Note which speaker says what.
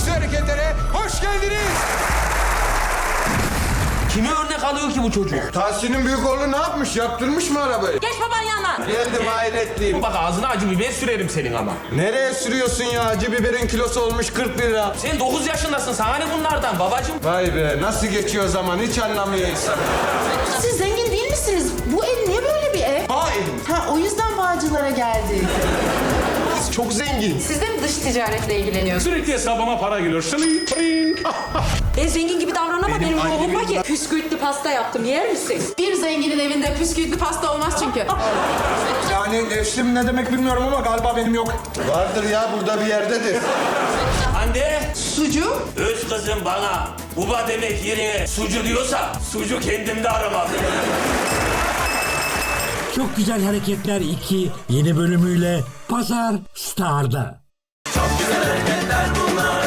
Speaker 1: aksi hareketlere hoş geldiniz.
Speaker 2: Kime örnek alıyor ki bu çocuk?
Speaker 1: Tahsin'in büyük oğlu ne yapmış? Yaptırmış mı arabayı?
Speaker 3: Geç baban yanına.
Speaker 1: Geldim hayretliyim.
Speaker 2: Bak ağzına acı biber sürerim senin ama.
Speaker 1: Nereye sürüyorsun ya? Acı biberin kilosu olmuş 40 lira.
Speaker 2: Sen 9 yaşındasın, sana ne bunlardan babacığım?
Speaker 1: Vay be, nasıl geçiyor zaman hiç anlamıyor insan.
Speaker 4: Siz zengin değil misiniz? Bu ev niye böyle bir ev? Ha, o yüzden Bağcılar'a geldik.
Speaker 1: Çok zengin.
Speaker 4: Siz de mi dış ticaretle ilgileniyorsunuz?
Speaker 5: Sürekli hesabıma para geliyor. Şılink, şılink.
Speaker 3: Ben zengin gibi davranama benim ruhum var ki. Püskürtlü pasta yaptım, yer misin?
Speaker 4: Bir zenginin evinde püskürtlü pasta olmaz çünkü.
Speaker 6: Yani nefsim ne demek bilmiyorum ama galiba benim yok.
Speaker 1: Vardır ya, burada bir yerdedir.
Speaker 2: Anne,
Speaker 4: Sucu?
Speaker 2: öz kızım bana baba demek yerine sucu diyorsa sucu kendimde aramam.
Speaker 7: Çok Güzel Hareketler 2 yeni bölümüyle Pazar Star'da.
Speaker 8: Çok güzel hareketler bunlar.